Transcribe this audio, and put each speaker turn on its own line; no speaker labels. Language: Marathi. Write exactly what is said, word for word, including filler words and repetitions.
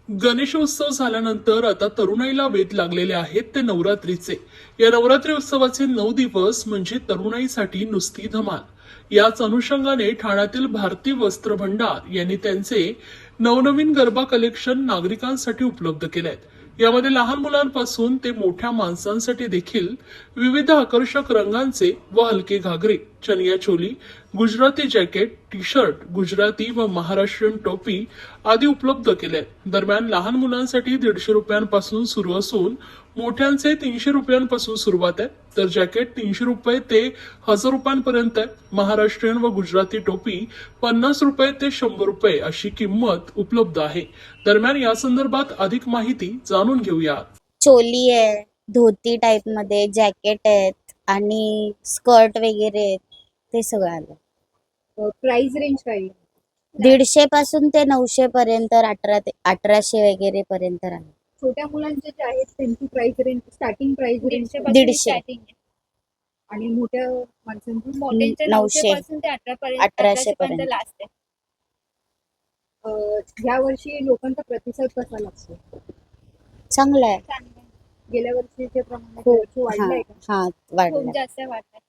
गणेशोत्सव झाल्यानंतर आता तरुणाईला वेध लागलेले आहेत ते नवरात्रीचे. या नवरात्री उत्सवाचे नऊ दिवस म्हणजे तरुणाईसाठी नुसती धमाल. याच अनुषंगाने ठाण्यातील भारती वस्त्र भंडार यांनी त्यांचे नवनवीन गरबा कलेक्शन नागरिकांसाठी उपलब्ध केले आहेत. यामध्ये लहान मुलांपासून ते मोठ्या माणसांसाठी देखील विविध आकर्षक रंगांचे व हलके घागरे, chaniya choli, Gujarati jacket, T shirt, Gujarati व महाराष्ट्रीयन टोपी आदी उपलब्ध केले आहेत. दरम्यान लहान मुलांसाठी दीडशे रुपयांपासून सुरू असून मोठ्यांचे तीनशे रुपयांपासून सुरुवात आहे, तर जॅकेट तीनशे रुपये ते हजार रुपयांपर्यंत आहे. महाराष्ट्रीयन व गुजराती टोपी पन्नास रुपये ते शंभर रुपये अशी किंमत उपलब्ध आहे. दरम्यान या संदर्भात अधिक माहिती जाणून घेऊया.
चोली आहे, धोती टाइप मध्ये, जॅकेट आहेत आणि स्कर्ट वगैरे आहेत, ते सगळं आलं.
प्राइस रेंज काय आहे?
दीडशे पासून ते नऊशे पर्यंत, अठरा ते अठराशे वगैरे पर्यंत आहे.
छोट्या मुलांचे जे आहेत त्यांची price range, starting price range
दीडशे.
आणि मोठ्या माणसांची
मोठ्यांचे
नऊशे
नऊशे पासून ते अठरा पर्यंत
अठराशे
अठराशे पर्यंत
पर्यंत.
लास्ट आहे.
अं, ह्या वर्षी लोकांचा प्रतिसाद कसा लागतो?
चांगलं आहे.
चांगलं आहे.
गेल्या वर्षीच्या प्रमाणात
खूप
यावर्षी वाढलाय का?
हा हा
खूप
वाढलं.
जास्त वाटतं.